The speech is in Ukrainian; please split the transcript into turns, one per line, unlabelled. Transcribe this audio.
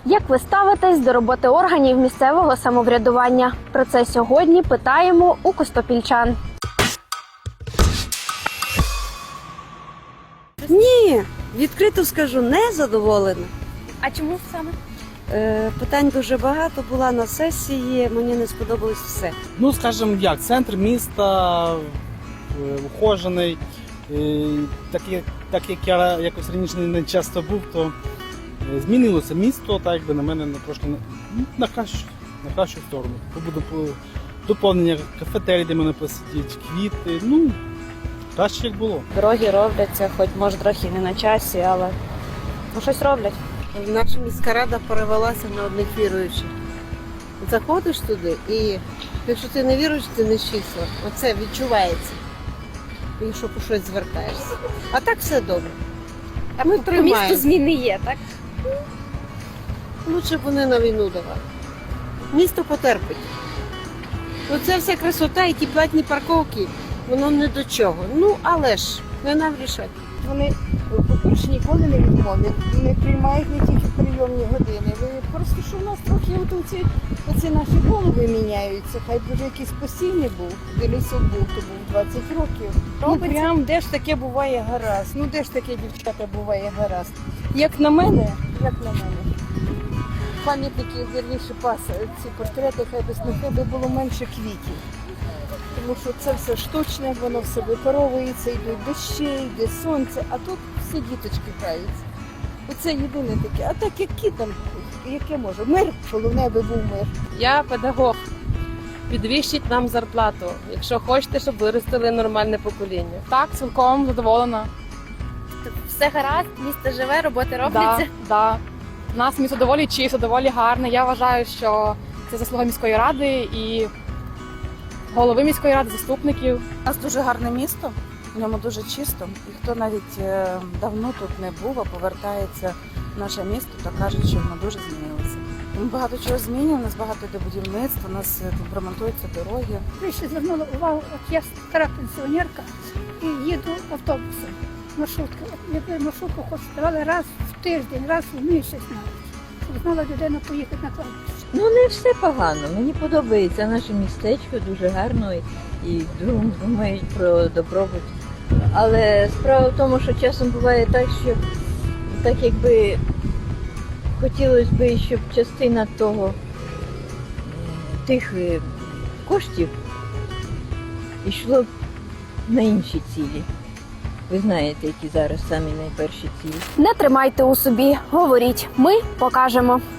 Як ви ставитесь до роботи органів місцевого самоврядування? Про це сьогодні питаємо у костопільчан.
Ні, відкрито скажу, не задоволена.
А чому саме?
Питань дуже багато, була на сесії, мені не сподобалось все.
Ну, скажімо як, центр міста ухожений. Так як я якось раніше не часто був, то змінилося місто, так якби на мене трошки на кращу сторону. Буде доповнення кафетерій, де мене посидіть, квіти, ну, краще як було.
Дороги робляться, хоч може трохи не на часі, але щось роблять.
Наша міська рада перевелася на одних віруючих. Заходиш туди і якщо ти не віруєш, ти не з числа. Оце відчувається, якщо по щось звертаєшся. А так все добре.
А
Ми
по
тримаємо.
місту зміни є, так?
Лучше б вони на війну давали. Місто потерпить. Оце вся красота і ті платні парковки, воно не до чого. Ну, але ж, не нам рішати.
Вони, по-перше, ніколи не відмовлять, не приймають не тільки прийомні години. Просто що в нас трохи оці наші голови міняються. Хай б вже якийсь постійний був, дивлюся, був 20 років. Ну прям де ж таке буває гаразд? Ну де ж таке, дівчата, буває гаразд? Як на мене, пам'ятники, вірніше, ці портрети, хай би було менше квітів. Тому що це все штучне, воно все випаровується, йдуть дощі, йде сонце, а тут всі діточки граються. Оце єдине таке. А так які там, яке може? Мир, головне би був мир.
Я педагог. Підвищіть нам зарплату, якщо хочете, щоб виростили нормальне покоління.
Так, цілком задоволена.
Все гаразд, місто живе, роботи робляться.
Да. У нас місто доволі чисто, доволі гарне. Я вважаю, що це заслуга міської ради і голови міської ради, заступників.
У нас дуже гарне місто, в ньому дуже чисто. І хто навіть давно тут не був, а повертається в наше місто, то кажуть, що воно дуже змінилося. Ми багато чого змінюємо, у нас багато йде будівництва, у нас тут ремонтуються дороги.
Ви ще звернули увагу, от я стара пенсіонерка і їду автобусом, маршруткою. Якби маршрутку хоч давали раз в тиждень, раз в місяць навіть, щоб знала людина поїхати на кладбище.
Ну, не все погано. Мені подобається наше містечко, дуже гарно і думають про добробут. Але справа в тому, що часом буває так, що так якби хотілося б, щоб частина тих коштів йшло б на інші цілі. Ви знаєте, які зараз самі найперші цілі.
Не тримайте у собі, говоріть, ми покажемо.